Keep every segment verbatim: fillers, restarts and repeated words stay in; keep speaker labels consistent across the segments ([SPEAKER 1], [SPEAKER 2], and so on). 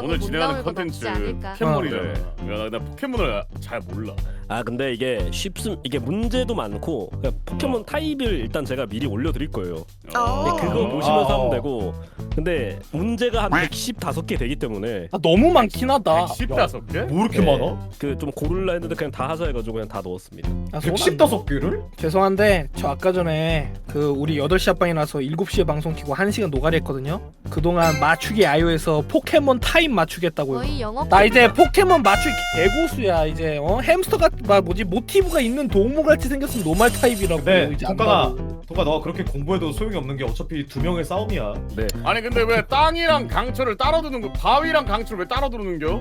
[SPEAKER 1] 오늘 진행하는
[SPEAKER 2] 못 나올 것
[SPEAKER 1] 컨텐츠
[SPEAKER 2] 없지 않을까.
[SPEAKER 1] 포켓몬이잖아. 야, 나 포켓몬을 잘 몰라.
[SPEAKER 3] 아 근데 이게 쉽음 이게 문제도 많고 그냥 포켓몬 타입을 일단 제가 미리 올려드릴 거예요.
[SPEAKER 2] 어.
[SPEAKER 3] 근데 그거
[SPEAKER 1] 어.
[SPEAKER 3] 보시면서
[SPEAKER 4] 아,
[SPEAKER 3] 하면
[SPEAKER 4] 어.
[SPEAKER 3] 되고 근데 문제가 한 백십오 개 되기 때문에
[SPEAKER 4] 아, 너무 많긴 하다.
[SPEAKER 1] 백십오 개?
[SPEAKER 4] 뭐 이렇게
[SPEAKER 3] 네.
[SPEAKER 4] 많아?
[SPEAKER 3] 그 좀 고를라 했는데 그냥 다 하자 해가지고 그냥 다 넣었습니다.
[SPEAKER 4] 아, 백십오 개를? 죄송한데 저 아까 전에 그 우리 여덟 시 합방이라서 일곱 시에 방송 키고 한 시간 노가리 했거든요. 그동안 맞추기 아이오에서 포켓몬 타입 맞추겠다고요.
[SPEAKER 2] 거의 영업.
[SPEAKER 4] 나 이제 포켓몬 맞추기 개고수야. 이제 어 햄스터가 막 뭐지 모티브가 있는 동물같이 생겼으면 노말 타입이라고.
[SPEAKER 5] 네,
[SPEAKER 4] 이제
[SPEAKER 5] 통과가
[SPEAKER 4] 안다고.
[SPEAKER 5] 통과 너가 그렇게 공부해도 소용이 없는 게 어차피 두 명의 싸움이야.
[SPEAKER 3] 네.
[SPEAKER 1] 아니 근데 왜 땅이랑 강철을 따로 두는 거? 바위랑 강철을 왜 따로 두는겨?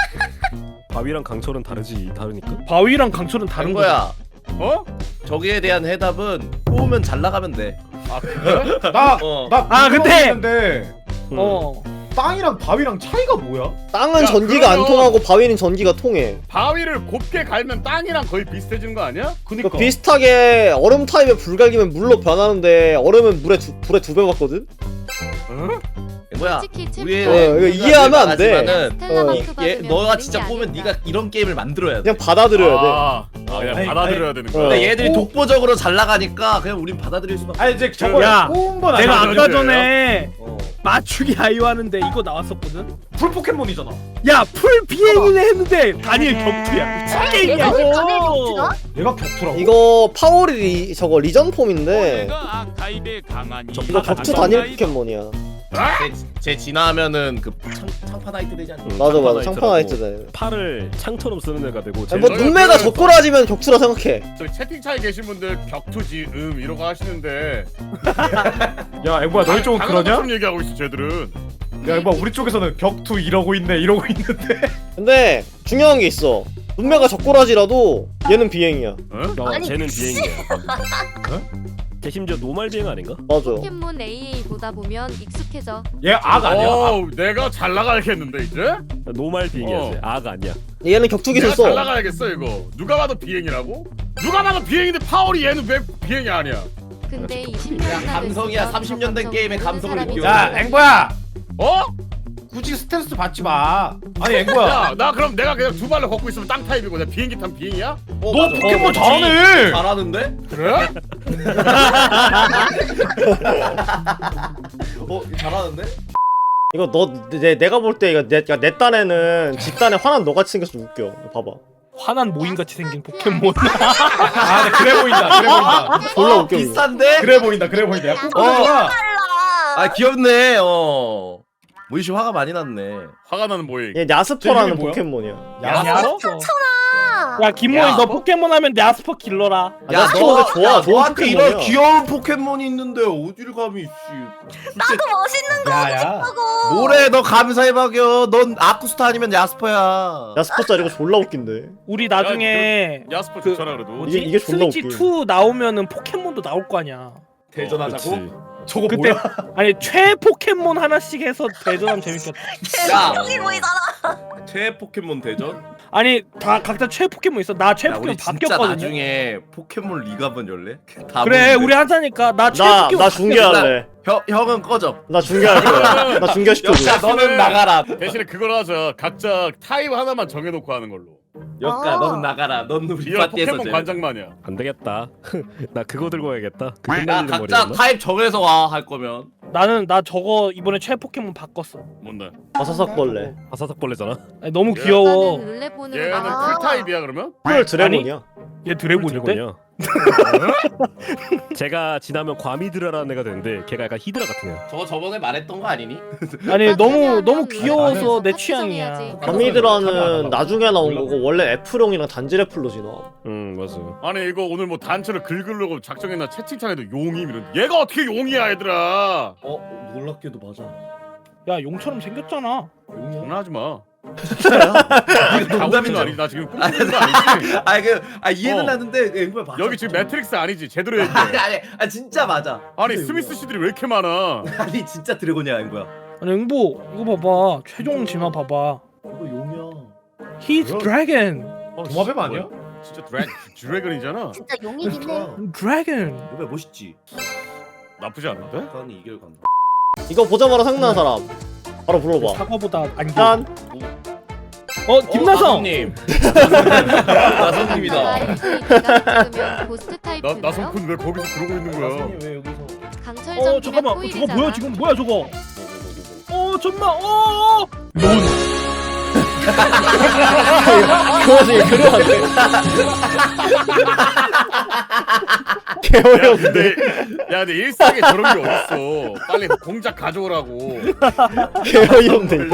[SPEAKER 3] 바위랑 강철은 다르지 다르니까.
[SPEAKER 4] 바위랑 강철은 다른 거야.
[SPEAKER 6] 거야.
[SPEAKER 1] 어?
[SPEAKER 6] 저기에 대한 해답은 뽑으면 잘 나가면 돼.
[SPEAKER 1] 아 그래?
[SPEAKER 5] 나,
[SPEAKER 6] 어.
[SPEAKER 5] 나
[SPEAKER 4] 아, 근데-
[SPEAKER 5] 근데
[SPEAKER 3] 음.
[SPEAKER 4] 어.
[SPEAKER 5] 땅이랑 바위랑 차이가 뭐야?
[SPEAKER 7] 땅은
[SPEAKER 1] 야,
[SPEAKER 7] 전기가 안
[SPEAKER 1] 그러면-
[SPEAKER 7] 통하고 바위는 전기가 통해.
[SPEAKER 1] 바위를 곱게 갈면 땅이랑 거의 비슷해지는 거 아니야?
[SPEAKER 5] 그니까.
[SPEAKER 7] 그 비슷하게 얼음 타입에 불 갈기면 물로 변하는데 얼음은 물에 두, 불에 두 배 받거든?
[SPEAKER 1] 응?
[SPEAKER 6] 뭐야?
[SPEAKER 2] 솔직히
[SPEAKER 6] 우리의
[SPEAKER 7] 어, 이거
[SPEAKER 6] 우리가
[SPEAKER 7] 이해하면 안 돼.
[SPEAKER 6] 나가지만은
[SPEAKER 2] 스텔라
[SPEAKER 7] 어,
[SPEAKER 2] 마크
[SPEAKER 6] 얘
[SPEAKER 2] 받으면
[SPEAKER 6] 너가
[SPEAKER 2] 되는
[SPEAKER 6] 진짜
[SPEAKER 2] 게
[SPEAKER 6] 뽑으면
[SPEAKER 2] 아닐까.
[SPEAKER 6] 네가 이런 게임을 만들어야 돼.
[SPEAKER 7] 그냥 받아들여야 돼.
[SPEAKER 1] 아, 아 그냥
[SPEAKER 5] 아니,
[SPEAKER 1] 받아들여야
[SPEAKER 5] 아니,
[SPEAKER 1] 되는
[SPEAKER 7] 어.
[SPEAKER 1] 거야.
[SPEAKER 6] 근데 얘들이
[SPEAKER 5] 오.
[SPEAKER 6] 독보적으로 잘 나가니까 그냥 우린 받아들일 수밖에.
[SPEAKER 5] 아니 이제 저거
[SPEAKER 4] 야,
[SPEAKER 5] 뽑은 건
[SPEAKER 4] 내가
[SPEAKER 5] 아니야.
[SPEAKER 4] 아까 전에
[SPEAKER 6] 어.
[SPEAKER 4] 맞추기 아이오 하는데 이거 나왔었거든?
[SPEAKER 5] 풀 포켓몬이잖아.
[SPEAKER 4] 야, 풀 비행이네 했는데 다니엘 격투야.
[SPEAKER 2] 내가 왜 다니엘
[SPEAKER 4] 격투야.
[SPEAKER 2] 격투야?
[SPEAKER 5] 얘가 격투라고?
[SPEAKER 7] 이거 파워리 리, 저거 리전 폼인데
[SPEAKER 8] 아카이베 강하니
[SPEAKER 7] 이거 격투 다니엘 포켓몬이야.
[SPEAKER 6] 제, 제 진화하면은 그 창, 창파나이트 되지 않나?
[SPEAKER 3] 음,
[SPEAKER 7] 맞아 맞아
[SPEAKER 3] 창파나이트라고
[SPEAKER 7] 창파나이트네.
[SPEAKER 3] 팔을 창처럼 쓰는 애가 되고.
[SPEAKER 7] 뭐
[SPEAKER 1] 쟤는-
[SPEAKER 7] 눈매가 젓가락이면 격투라 생각해.
[SPEAKER 1] 저기 채팅창에 계신 분들 격투지 음 이러고 하시는데
[SPEAKER 5] 야 앵보야 너희 쪽은 그러냐?
[SPEAKER 1] 당연한 얘기하고 있어 쟤들은.
[SPEAKER 5] 야 앵보야 우리 쪽에서는 격투 이러고 있네 이러고 있는데.
[SPEAKER 7] 근데 중요한 게 있어. 눈매가 젓가락이라도 얘는 비행이야.
[SPEAKER 1] 어?
[SPEAKER 3] 어,
[SPEAKER 2] 아니,
[SPEAKER 3] 쟤는 비행이야. 걔 심지어 노말 비행 아닌가?
[SPEAKER 7] 맞아.
[SPEAKER 2] 포켓몬 에이에이 보다 보면 익숙해져.
[SPEAKER 5] 얘 악 아니야? 악.
[SPEAKER 1] 어우, 내가 잘 나가야겠는데 이제?
[SPEAKER 3] 노말 비행이야.
[SPEAKER 1] 어.
[SPEAKER 3] 쟤. 아가 아니야.
[SPEAKER 7] 얘는 격투 기술
[SPEAKER 1] 내가 잘
[SPEAKER 7] 써.
[SPEAKER 1] 나가야겠어 이거. 누가 봐도 비행이라고? 누가 봐도 비행인데 파월이 얘는 왜 비행이 아니야?
[SPEAKER 2] 근데 이십
[SPEAKER 6] 야,
[SPEAKER 2] 년
[SPEAKER 6] 감성이야. 삼십 년 된 게임에 감성을 느껴.
[SPEAKER 5] 야 앵보야
[SPEAKER 1] 어?
[SPEAKER 5] 굳이 스트레스 받지 마. 아니 앵보야
[SPEAKER 1] 야, 나 그럼 내가 그냥 두 발로 걷고 있으면 땅 타입이고 내가 비행기 탄 비행이야?
[SPEAKER 6] 어,
[SPEAKER 5] 너
[SPEAKER 6] 맞아.
[SPEAKER 5] 포켓몬
[SPEAKER 6] 어,
[SPEAKER 5] 잘하네.
[SPEAKER 6] 잘하는데?
[SPEAKER 1] 그래?
[SPEAKER 6] 어 잘하는데?
[SPEAKER 7] 이거 너 내, 내가 볼 때 이거 내, 야, 내 딴에는 집 딴에 화난 너같이 생겨서 좀 웃겨. 봐봐.
[SPEAKER 4] 화난 모인같이 생긴 포켓몬.
[SPEAKER 5] 아 근데 그래 보인다. 그래 보인다.
[SPEAKER 7] 졸라
[SPEAKER 6] 어,
[SPEAKER 7] 웃겨.
[SPEAKER 6] 비싼데?
[SPEAKER 5] 그래 보인다. 그래 보인다. 야 뽀뽀가
[SPEAKER 6] 아 귀엽네. 어. 모이씨 화가 많이 났네.
[SPEAKER 1] 화가 나는 모임.
[SPEAKER 7] 얘
[SPEAKER 5] 쟤
[SPEAKER 7] 야스퍼라는
[SPEAKER 5] 이름이 뭐야?
[SPEAKER 7] 포켓몬이야.
[SPEAKER 4] 야스퍼? 야, 김모이
[SPEAKER 6] 야,
[SPEAKER 4] 너
[SPEAKER 6] 뭐?
[SPEAKER 4] 포켓몬 하면 야스퍼 길러라.
[SPEAKER 7] 아, 야스퍼 근데 좋아.
[SPEAKER 6] 야,
[SPEAKER 7] 좋은
[SPEAKER 6] 너한테 이런
[SPEAKER 7] 포켓몬이야.
[SPEAKER 6] 귀여운 포켓몬이 있는데 어딜 감히 씨.
[SPEAKER 9] 나도 멋있는 거
[SPEAKER 5] 야야.
[SPEAKER 9] 하고.
[SPEAKER 6] 뭐래 너 감사해 박여. 넌 아쿠스타 아니면 야스퍼야.
[SPEAKER 7] 야스퍼 짜 이거 졸라 웃긴데.
[SPEAKER 4] 우리 나중에
[SPEAKER 1] 야스퍼
[SPEAKER 4] 그-
[SPEAKER 1] 좋잖아 그래도.
[SPEAKER 4] 뭐지?
[SPEAKER 7] 이게- 이게 존나
[SPEAKER 4] 스위치
[SPEAKER 7] 웃겨.
[SPEAKER 4] 투 나오면은 포켓몬도 나올 거 아니야.
[SPEAKER 6] 대전하자고?
[SPEAKER 3] 그치.
[SPEAKER 5] 저거
[SPEAKER 4] 그때
[SPEAKER 5] 뭐야?
[SPEAKER 4] 아니 최 포켓몬 하나씩 해서 대전하면 재밌겠다.
[SPEAKER 6] 야.
[SPEAKER 9] 여기 보이잖아.
[SPEAKER 6] 최 포켓몬 대전?
[SPEAKER 4] 아니 다 각자 최 포켓몬 있어. 나 최
[SPEAKER 6] 야
[SPEAKER 4] 포켓몬
[SPEAKER 6] 우리 진짜
[SPEAKER 4] 바뀌었거든요.
[SPEAKER 6] 나중에 포켓몬 리그 한번 열래? 다
[SPEAKER 4] 그래
[SPEAKER 6] 모이는데.
[SPEAKER 4] 우리 하자니까 나 최
[SPEAKER 7] 나
[SPEAKER 4] 포켓몬
[SPEAKER 7] 나 중계할래.
[SPEAKER 6] 형 형은 꺼져.
[SPEAKER 7] 나 중계할 거야. 나 중계시켜줘.
[SPEAKER 6] 야 너는 나가라.
[SPEAKER 1] 대신에 그걸 하자. 각자 타입 하나만 정해놓고 하는 걸로.
[SPEAKER 6] 역가
[SPEAKER 9] 어.
[SPEAKER 6] 너는 나가라. 넌 우리
[SPEAKER 1] 리얼
[SPEAKER 6] 파티에서
[SPEAKER 1] 포켓몬
[SPEAKER 6] 제일.
[SPEAKER 1] 관장만이야.
[SPEAKER 3] 안 되겠다. 나 그거 들고 가야겠다. 그
[SPEAKER 6] 야
[SPEAKER 3] 흩날리는
[SPEAKER 6] 각자
[SPEAKER 3] 머리였나?
[SPEAKER 6] 타입 정해서 와 할 거면.
[SPEAKER 4] 나는 나 저거 이번에 최 포켓몬 바꿨어.
[SPEAKER 1] 뭔데?
[SPEAKER 7] 바사삭벌레.
[SPEAKER 3] 아사삭벌레잖아.
[SPEAKER 4] 아니, 너무
[SPEAKER 1] 얘-
[SPEAKER 4] 귀여워.
[SPEAKER 2] 룰레폰으로
[SPEAKER 1] 얘는
[SPEAKER 2] 나와.
[SPEAKER 1] 풀 타입이야 그러면?
[SPEAKER 7] 풀 드래곤이야.
[SPEAKER 4] 얘 드래곤인데?
[SPEAKER 3] 드래곤이야. 제가 지나면 과미드라라는 애가 되는데 걔가 약간 히드라 같은 애야.
[SPEAKER 6] 저거 저번에 말했던 거 아니니?
[SPEAKER 4] 아니 너무 너무
[SPEAKER 2] 나는-
[SPEAKER 4] 귀여워서 내
[SPEAKER 2] 나는
[SPEAKER 4] 취향이야.
[SPEAKER 2] 합성해야지.
[SPEAKER 7] 가미드라는 나중에 나온 거고 원래 애플용이랑 단지래플로 진화.
[SPEAKER 3] 응 맞아.
[SPEAKER 1] 아니 이거 오늘 뭐 단체를 긁으려고 작정했나 채팅창에도 용임 이런. 얘가 어떻게 용이야 얘들아?
[SPEAKER 6] 어 놀랍게도 맞아.
[SPEAKER 4] 야 용처럼 생겼잖아.
[SPEAKER 1] 장난하지 마.
[SPEAKER 6] 농담이죠.
[SPEAKER 1] 농담이 아니지. 나 지금 꿈꾸는 거 아니지?
[SPEAKER 6] 아니 그아 이해는
[SPEAKER 1] 어.
[SPEAKER 6] 하는데 앵글 맞아.
[SPEAKER 1] 여기 지금 매트릭스 아니지? 제대로 얘기해.
[SPEAKER 6] 아니 아니 아 진짜 맞아.
[SPEAKER 1] 아니 스미스 씨들이 왜 이렇게 많아?
[SPEAKER 6] 아니 진짜 드래곤이야 앵구야.
[SPEAKER 4] 아니 응보 이거 봐봐. 최종 진화 봐봐.
[SPEAKER 6] 이거 용이야.
[SPEAKER 4] He's
[SPEAKER 5] 뭐야?
[SPEAKER 4] dragon.
[SPEAKER 5] 도마뱀 아니야?
[SPEAKER 1] 진짜 드래 드래곤이잖아.
[SPEAKER 9] 진짜 용이긴 해.
[SPEAKER 4] Dragon.
[SPEAKER 6] 왜 멋있지?
[SPEAKER 1] 나쁘지 않은데?
[SPEAKER 6] 강이 이결 간다.
[SPEAKER 7] 이거 보자마자 생각나는 사람. 바로 불러봐.
[SPEAKER 4] 사과보다 안경.
[SPEAKER 7] 짠.
[SPEAKER 4] 어 김나성.
[SPEAKER 6] 님
[SPEAKER 2] 아,
[SPEAKER 6] 나성님이다.
[SPEAKER 2] 찍으면 고스트 타입
[SPEAKER 1] 나
[SPEAKER 2] 되나요?
[SPEAKER 1] 나성쿤 왜 거기서 그러고 있는 거야?
[SPEAKER 5] 왜 여기서?
[SPEAKER 2] 강철
[SPEAKER 4] 어
[SPEAKER 2] 전기는
[SPEAKER 4] 잠깐만. 어, 저거
[SPEAKER 2] 코일이잖아.
[SPEAKER 4] 뭐야 지금 뭐야 저거? 어 잠만. 어. 론.
[SPEAKER 7] 그 와중에 그려왔네.
[SPEAKER 1] 야
[SPEAKER 7] 개어이없네.
[SPEAKER 1] 근데 야 근데 일상에 저런 게 어딨어? 빨리 공작 가져오라고.
[SPEAKER 7] 개어이없네 이거.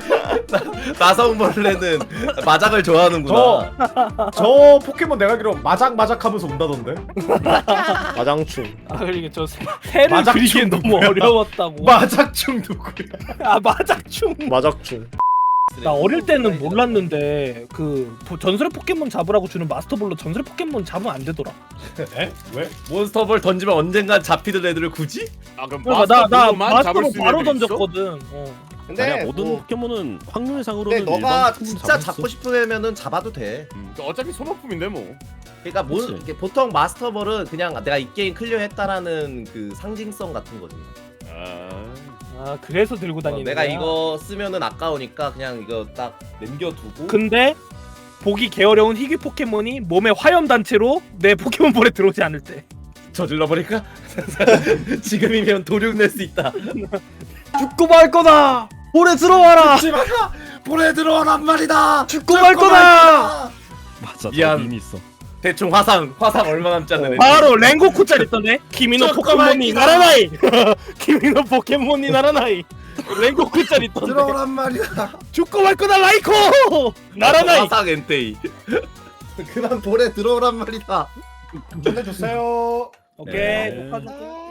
[SPEAKER 6] 나성벌레는 마작을 좋아하는구나.
[SPEAKER 5] 저, 저 포켓몬 내가 알기로 마작마작 하면서 온다던데?
[SPEAKER 7] 마장충.
[SPEAKER 4] 아 그러게 저 새- 새를
[SPEAKER 5] 마작충
[SPEAKER 4] 그리기엔 너무
[SPEAKER 5] 누구야?
[SPEAKER 4] 어려웠다고.
[SPEAKER 5] 마작충 누구야?
[SPEAKER 4] 아 마작충.
[SPEAKER 7] 마작충.
[SPEAKER 4] 나 어릴 때는 몰랐는데 그 보- 전설의 포켓몬 잡으라고 주는 마스터볼로 전설의 포켓몬 잡으면 안 되더라.
[SPEAKER 5] 에? 왜?
[SPEAKER 6] 몬스터볼 던지면 언젠간 잡히던 애들을 굳이?
[SPEAKER 1] 아 그럼
[SPEAKER 4] 그러니까 나 나
[SPEAKER 1] 마스터볼로만 잡을
[SPEAKER 4] 마스터볼
[SPEAKER 1] 수 있는
[SPEAKER 4] 바로
[SPEAKER 1] 애들이 있어?
[SPEAKER 4] 던졌거든. 어.
[SPEAKER 6] 근데
[SPEAKER 3] 아니야 모든
[SPEAKER 6] 뭐,
[SPEAKER 3] 포켓몬은 확률상으로는
[SPEAKER 6] 근데 너가
[SPEAKER 3] 일반 포켓몬
[SPEAKER 6] 진짜
[SPEAKER 3] 잡을 수
[SPEAKER 6] 잡고 싶으면은 잡아도 돼.
[SPEAKER 1] 음, 어차피 소모품인데 뭐.
[SPEAKER 6] 그러니까 뭐,
[SPEAKER 3] 그치.
[SPEAKER 6] 이렇게 보통 마스터볼은 그냥 내가 이 게임 클리어했다라는 그 상징성 같은 거지.
[SPEAKER 1] 아,
[SPEAKER 4] 아 그래서 들고
[SPEAKER 6] 어,
[SPEAKER 4] 다니는
[SPEAKER 6] 내가
[SPEAKER 4] 거야?
[SPEAKER 6] 이거 쓰면은 아까우니까 그냥 이거 딱 남겨두고.
[SPEAKER 4] 근데 보기 개어려운 희귀 포켓몬이 몸에 화염 단체로 내 포켓몬볼에 들어오지 않을 때.
[SPEAKER 6] 저질러 버릴까? 지금이면 도륙 낼 수 있다.
[SPEAKER 7] 죽고 말 거다. 볼에 들어와라.
[SPEAKER 6] 죽지 마라. 볼에 들어와란 말이다.
[SPEAKER 7] 죽고 말 거다.
[SPEAKER 3] 맞아
[SPEAKER 6] 미안.
[SPEAKER 3] 저 이미 있어.
[SPEAKER 6] 대충 화상 화상 얼마 남지 않는 애.
[SPEAKER 4] 바로 랭고쿠 짤 있던데. 키미노 포켓몬이 나라나이. 키미노 포켓몬이 나라나이. 랭고쿠 짤 있던데.
[SPEAKER 6] 들어오란 말이다.
[SPEAKER 4] 죽고 말 거다 라이코. 나라나이.
[SPEAKER 6] 화상 엔테이. 그만 볼에 들어오란 말이다.
[SPEAKER 5] 보내주세요.
[SPEAKER 4] 오케이.
[SPEAKER 3] 네.
[SPEAKER 4] 녹화 좀 끊을게.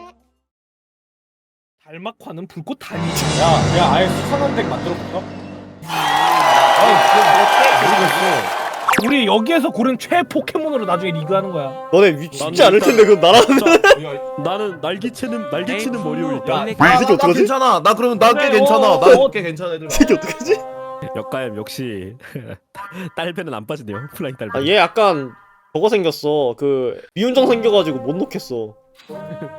[SPEAKER 4] 달막화는 불꽃 다니.
[SPEAKER 5] 야, 야, 아예 수상한 덱 만들어 볼까?
[SPEAKER 4] 우리 여기에서 고른 최 포켓몬으로 나중에 리그하는 거야.
[SPEAKER 7] 너네 위- 쉽지 않을 텐데 그 나라.
[SPEAKER 3] 나는 날개치는 날개치는 머리로 일단
[SPEAKER 7] 이 새끼 어떡하지?
[SPEAKER 6] 괜찮아. 나 그러면 나 꽤
[SPEAKER 4] 그래,
[SPEAKER 6] 괜찮아.
[SPEAKER 4] 어,
[SPEAKER 6] 나
[SPEAKER 4] 어.
[SPEAKER 6] 꽤 괜찮아 애들.
[SPEAKER 7] 이 새끼 어떡하지?
[SPEAKER 3] 역가엠 역시 딸배는 안 빠지네요. 플라잉 딸배.
[SPEAKER 7] 아 얘 약간 저거 생겼어. 그 미운정 생겨가지고 못 놓겠어.